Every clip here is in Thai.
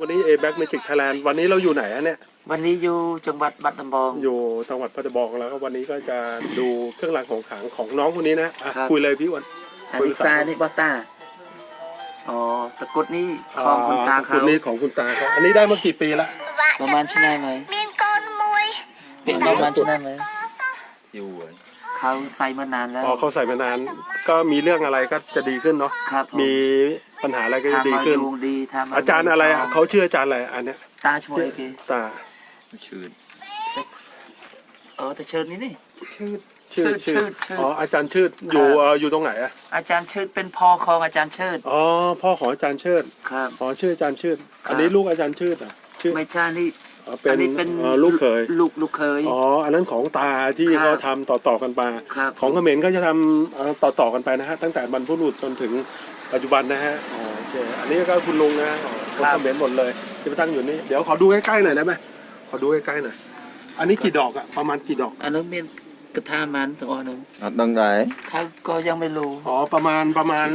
วันนี้ A-Back Magic Thailand วันนี้เราอยู่ไหนอะเนี่ยวันนี้อยู่จังหวัดบัตรลำบองอยู่จังหวัดพัทยาแล้วก็วันนี้ก็จะดูเครื่องรางของขลังของน้องคนนี้นะคุยเลยพี่อ้วนอันนี้ซานี่บอต้าอ๋อตะกุดนี่ของคุณตาเขาตะกุดนี่ของคุณตาเขาอันนี้ได้มากี่ปีละประมาณชั่วโมงไหมเป็นประมาณชั่วโมงไหมอยู่เขาใส่มานานแล้วอ๋อเขาใส่มานานก็มีเรื่องอะไรก็จะดีขึ้นเนาะมีปัญหาอะไรก็จะดีขึ้นอาจารย์อะไรเขาชื่ออาจารย์อะไรอันเนี้ยตาช่วยพี่ตาชื่อแต่เชิญนี่ชื่ออ๋ออาจารย์ชื่ออยู่ตรงไหนอะอาจารย์เชิดเป็นพ่อของอาจารย์เชิดอ๋อพ่อของอาจารย์เชิดครับอ๋อชื่ออาจารย์เชิดอันนี้ลูกอาจารย์เชิดอ่ะชื่อไม่ใช่นี่เป็นลูกเขยลูกเขยอ๋ออันนั้นของตาที่เขาทำต่อกันมาของเขมรก็จะทำต่อกันไปนะฮะตั้งแต่บรรพบุรุษจนถึงปัจจุบันนะฮะโอเคอันนี้ก็คุณลุงนะคนเขมรหมดเลยที่มาตั้งอยู่นี่เดี๋ยวขอดูใกล้ๆหน่อยได้ไหมขอดูใกล้ๆหน่อยอันนี้กี่ดอกอะประมาณกี่ดอกอันนั้นเป็นกระทามันตัวนึงดังไหนเขาก็ยังไม่รู้อ๋อประมาณ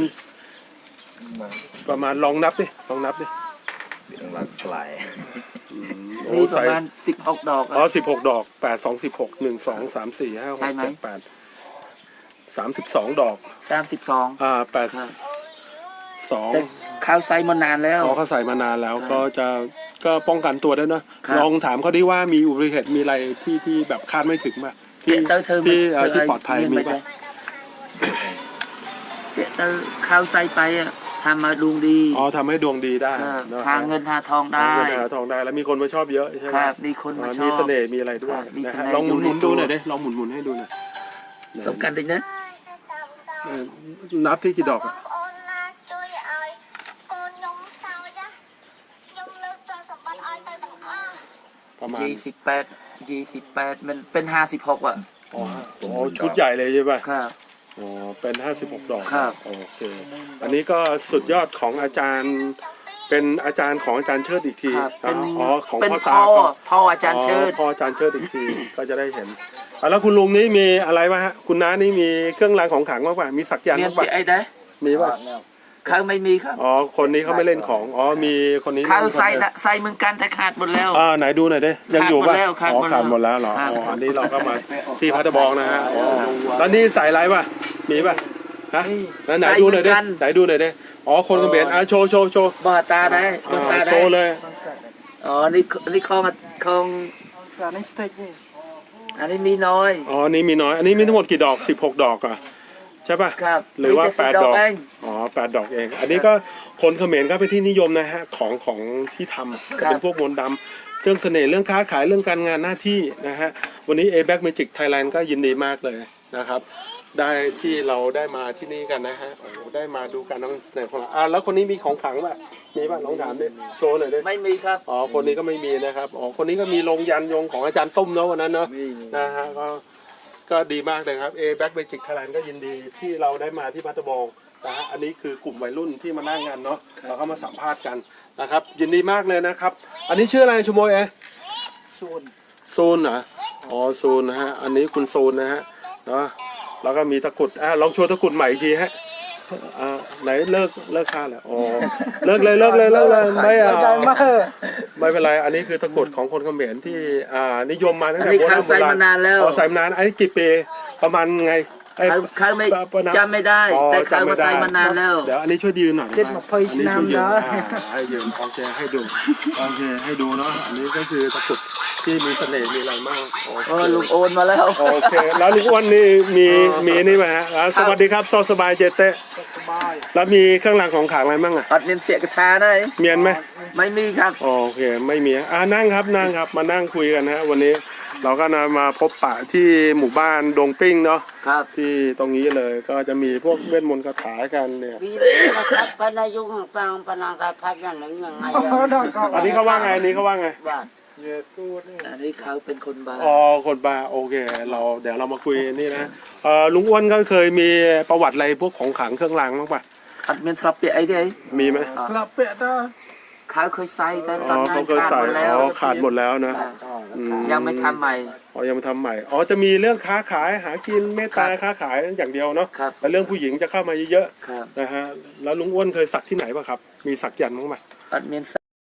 ลองนับดิเป็นหลักสลายนี่ประมาณ16 ดอกอ๋อ16 ดอก8 2 16 1 2 3 4 5 6 7 8 32 ดอก 32 8 2 เขาใส่มานานแล้วเขาใส่มานานแล้วก็ป้องกันตัวได้นะลองถามเขาดิว่ามีอุบัติเหตุมีอะไรที่แบบคาดไม่ถึงป่ะที่ปลอดภัยมีป่ะเขาใส่ไปทำมาดวงดีอ๋อทำให้ดวงดีได้หาเงินหาทองได้แล้วมีคนมาชอบเยอะใช่ไหมครับมีคนมาชอบมีเสน่ห์มีอะไรด้วยลองหมุนดูหน่อยดิลองหมุนให้ดูหน่อยสำคัญจริงนะนับที่กี่ดอกอะประมาณ 28มันเป็น56อ่ะอ๋อชุดใหญ่เลยใช่ป่ะครับอ๋อเป็น56 ดอกครับโอเคอันนี้ก็สุดยอดของอาจารย์เป็นอาจารย์ของอาจารย์เชิดอีกทีอ๋อของพ่อตาพ่ออาจารย์เชิดพ่ออาจารย์เชิดอีกทีก็จะได้เห็นแล้วคุณลุงนี่มีอะไรบ้างฮะคุณน้านี่มีเครื่องรางของขลังบ้างป่ะมีสักยันต์บ้างป่ะมีป่ะเขาไม่มีครับอ๋อคนนี้เขาไม่เล่นของอ๋อมีคนนี้เขาใส่เหมือนกันแต่ขาดหมดแล้วไหนดูหน่อยดิยังอยู่ป่ะอ๋อขาดหมดแล้วเหรออันนี้เราก็มาที่พัทยานะฮะแล้วนี่ใส่อะไรป่ะมีป่ะฮะไหนดูหน่อยดิอ๋อคนเขมรโชว์บ่ตาได้โชว์เลยอ๋อนี่ของอันนี้มีน้อยอ๋อนี่มีน้อยอันนี้มีทั้งหมดกี่ดอก16 ดอกอ่ะใช่ป่ะครับหรือว่า8 ดอกอ๋อ8 ดอกเองอันนี้ก็คนเขมรก็เป็นที่นิยมนะฮะของที่ทำเป็นพวกมนต์ดำเรื่องเสน่ห์เรื่องค้าขายเรื่องการงานหน้าที่นะฮะวันนี้ A-Back Magic Thailand ก็ยินดีมากเลยนะครับได้ที่เราได้มาที่นี่กันนะฮะได้มาดูการนำเสนอของเราแล้วคนนี้มีของขลังป่ะมีป่ะน้องถามดิโชว์หน่อยดิไม่มีครับอ๋อคนนี้ก็ไม่มีนะครับอ๋อคนนี้ก็มีลงยันยงของอาจารย์ตุ้มเนาะวันนั้นเนาะนะฮะก็ดีมากเลยครับ A-Back Magic Thailand ก็ยินดีที่เราได้มาที่พัทยานะฮะอันนี้คือกลุ่มวัยรุ่นที่มานั่งงานเนาะเราก็มาสัมภาษณ์กันนะครับยินดีมากเลยนะครับอันนี้ชื่ออะไรชโมยซูนเหรออ๋อซูนนะฮะอันนี้คุณซูนนะฮะเนาะแล้วก็มีตะกุดลองโชว์ตะกุดใหม่อีกทีฮะไหนเลิกค่าแล้วอ๋อเลิกเลยไม่เป็นไรอันนี้คือตะกุดของคนเขมรที่นิยมมาตั้งแต่โบราณใส่มานานแล้วใส่มานานไอ้กี่ปีประมาณไงเขาไม่จำไม่ได้แต่เขามาใส่มานานแล้วเดี๋ยวอันนี้ช่วยยืนหน่อยเจ็ดมาพอยน้ำนะให้ยืนโอเคให้ดูเนาะอันนี้ก็คือตะกุดที่มีเสน่ห์มีอะไรมากลุงโอนมาแล้วโอเคแล้วลุงอ้วนนี่มีนี่ไหมฮะสวัสดีครับสบายเจเต้แล้วมีเครื่องรางของขลังอะไรบ้างอัดเนียนเสียกระทาได้เมียนไหมไม่มีครับโอเคไม่มีนั่งครับมานั่งคุยกันฮะวันนี้เราก็มาพบปะที่หมู่บ้านดงปิ้งเนาะครับที่ตรงนี้เลยก็จะมีพวกเวทมนต์คาถากันเนี่ยครับพนายุงปังปนังกับพักอย่างหนึ่งยังไงอันนี้เขาว่าไงอันนี้เขาว่าไงอันนี้เขาเป็นคนบ้าคนบ้าโอเคเดี๋ยวเรามาคุยนี่นะลุงอ้วนก็เคยมีประวัติอะไรพวกของขลังเครื่องรางบ้างป่ะอัดเมนทรัพย์เปียไอ้ดิมีไหมทรัพย์เปียต้าเขาเคยใส่แต่ตอนนั้นขาดหมดแล้วนะยังไม่ทำใหม่ยังไม่ทำใหม่จะมีเรื่องค้าขายหากินเมตตาค้าขายอย่างเดียวเนาะแต่เรื่องผู้หญิงจะเข้ามาเยอะๆนะฮะแล้วลุงอ้วนเคยสักที่ไหนป่ะครับมีสักยันต์บ้างไหมอัดเมน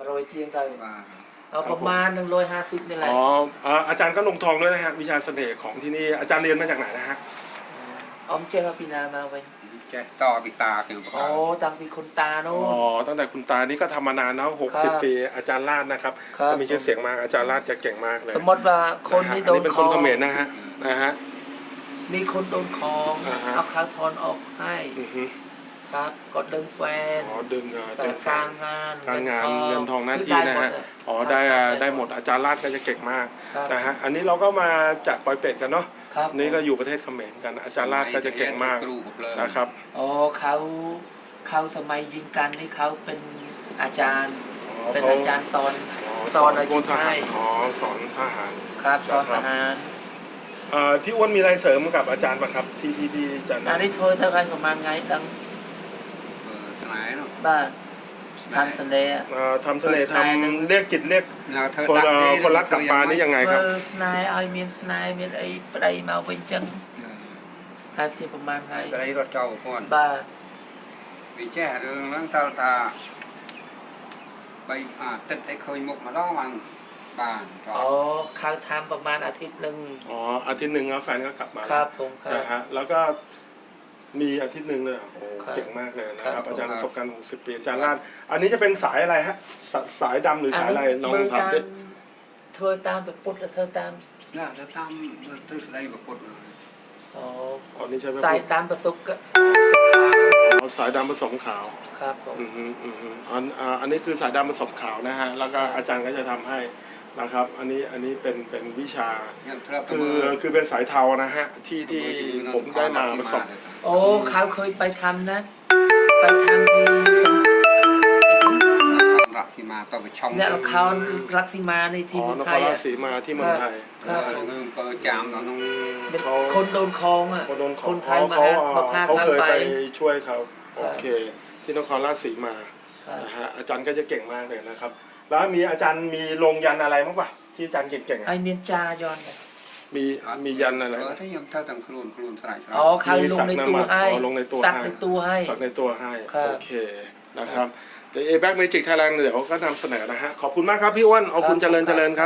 มาโรยเทียงกันว่าเอาประมาณ150นี่แหละอ๋ออาจารย์ก็ลงทองด้วยนะฮะวิชาเสน่ห์ของที่นี่อาจารย์เรียนมาจากไหนนะฮะออมเจ้าปีนามาเว้ยแกต่อปีตาคือโอ้ตังปีคนตาโน่อ๋อตั้งแต่คุณตานี่ก็ทำมานานเนาะครับ 60 ปีอาจารย์ลาดนะครับครับก็มีชื่อเสียงมากอาจารย์ลาดจะเก่งมากเลยสมมติว่าคนที่โดอันเป็นคคนอเขมรนะฮะมีคนโดนคองอ่าฮะเอาข้าวทอนออกให้อือฮึครับก็ดึงแฟนอ๋อดึงแต่การงานการงานเงินทองหน้าที่นะฮะอ๋อได้หมดอาจารย์ลาดก็จะเก่งมากครับนะฮะอันนี้เราก็มาจากปอยเป็ดกันเนาะครับนี่ก็อยู่ประเทศเขมรกันอาจารย์ลาดก็จะเก่งมากครูกับเลยนะครับอ๋อเขาสมัยยิงกันนี่เขาเป็นอาจารย์ เป็นอาจารย์สอนสอนอายุทหาให้รอ๋อสอนทหารครับสอนทหารพี่อ้วนมีอะไรเสริมกับอาจารย์ไหมครับที่อาจารย์อันนี้เธอเท่ากันประมาณไงดังสลายเนาะบ้านทำเสน่ห์ทำเสน่ห์ทำเรียกจิตเรียกแล้วเธอคนรักกลับมานี่ยังไงครับเออสนายเอาเมียนสนายเมียนไอ้ปลายมาเว้นจังครับที่ประมาณไงอะไรรถเจ้าก่อนบ้านวิแจ้เรื่องนั้นตาตาไปติดไอ้เคยมุกมาล้อมันบ้านอ๋อเขาทำประมาณอาทิตย์หนึ่งอ๋ออาทิตย์หนึ่งแล้วแฟนก็กลับมาครับผมครับนะฮะแล้วก็มีอาทิตย์หนึ่งเลยโอ้ครับเก่งมากเลยนะคครัรับบ อาจารย์ประสบการณ์60 ปีอาจารย์ลาดอันนี้จะเป็นสายอะไรฮะสายดำหรือสายอะไรลองมือถามตามดิเธอตามไปปุ๊บแล้วเธอตามน่าจะทำตึกอะไรแบบปุดเลยอ๋ออ๋อนี่ใช่ไหมสายตามประสบกับอ๋อสายดำผสมขาวครับผมอันนี้คือสายดำผสมขาวนะฮะแล้วก็อาจารย์ก็จะทำให้นะครับอันนี้เป็นวิชายังเท่าคือเป็นสายเทานะฮะที่ผมได้มาผสมโอ้เขาเคยไปทำนะ ไปทำที่สงรักสีมาต่อไปช่องเนี่ยเขารักสิมาในที่อ๋อเมืองนไทครยราอ่ะชสีมาที่เมืองไทยครับเรื่องเปิดจามเนาะน้องเป็นคนโดนคลองอ่ะคนโดนคนไทยมาเขาพาเขาเขาเคยไปไปช่วยเขาครับโอเค ที่นครราชสีมาครับนะฮะอาจารย์ก็จะเก่งมากเลยนะครับ แล้วมีอาจารย์มีลงยันอะไรบ้างปะที่อาจารย์เก่งๆไออะเมียนจายอนเนี่ยมียันอะไรเออบ้างถ้ายังเท่าต่างครูนสลายสลายอ๋อเขาลงในตัวให้อ๋อลงในตัวซักให้ในตัวให้สักในตัวให้ครับโอเคนะครับเดี๋ยว A-Back Magic Thailand เดี๋ยวก็นำเสนอนะฮะขอบคุณมากครับพี่อ้วนเอาคุณเจริญครับ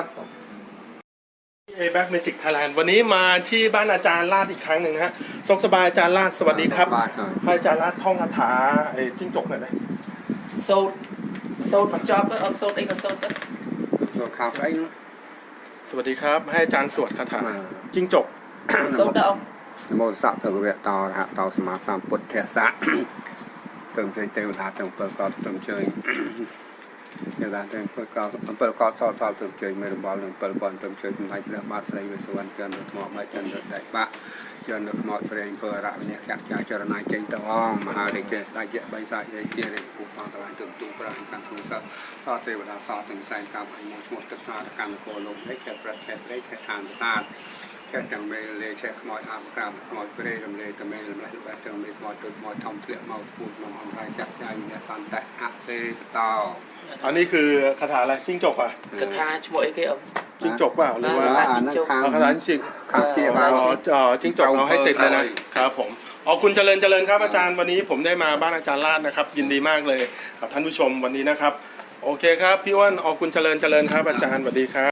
A-Back Magic Thailand วันนี้มาที่บ้านอาจารย์ลาดอีกครั้งหนึ่งนะฮะสกสบายอาจารย์ลาดสวัสดีครับบ้านหน่อยให้อาจารย์ลาดท่องคาถาไอ้จิ้งจกหน่อยนะโซดมาจอบก็เอาโซดเองก็โซดก็ส่วนข่าวไอ้นู้นสวัสดีครับให้อาจารย์สวดคาถาจิ้งจกโซดเอาโมสัพเถระเวะตอนะฮะตอสมาสามปุตเทสะเติมใจเติมหาเติมเปิดกอดเติมเชยเดี๋ยวเติมเปิดกอดสอดเติมเชยไม่รู้บอลเปิดบอลเติมเชยเป็นไงเปลือกมาใส่เวสวรรค์เกินหมอกไม่เกินได้ปะเกินหมอกเปลี่ยนเปิดระเนี่ยแค่จารณาเจงตะวองมหาเดชได้เยอะใบสายได้เยอะเลยผู้ฟังตะวันเติมตุ้งปราณการคุยกับสอดเทวดาสอดถึงแสงกาบไอ้โมชมดตึกนาการโกลมได้แค่ประเทศได้แค่ทางศาสตร์แค่จังเมเลยแค่ขโมยอาบกรามขโมยเปรย์ลำเลยตะเมลำไรแบบจังเมขโมยตุ่มขโมยทำเปลือกเมาปูดนมอันไรจักใจเนี่ยสันแต่อะเซสตออันนี้คือคาถาอะไรจิ้งจกอ่ะกระทาช่วยไอ้เอาจิ้งจกเปล่าหรือว่านั่นค้างเอาคาถาจริงค้างเสียบาอ๋อจิ้งจกเอาให้ติดเลยนะครับผมอ๋อคุณเจริญครับอาจารย์วันนี้ผมได้มาบ้านอาจารย์ลาดนะครับยินดีมากเลยกับท่านผู้ชมวันนี้นะครับโอเคครับพี่อ้วนอ๋อคุณเจริญครับอาจารย์สวัสดีครับ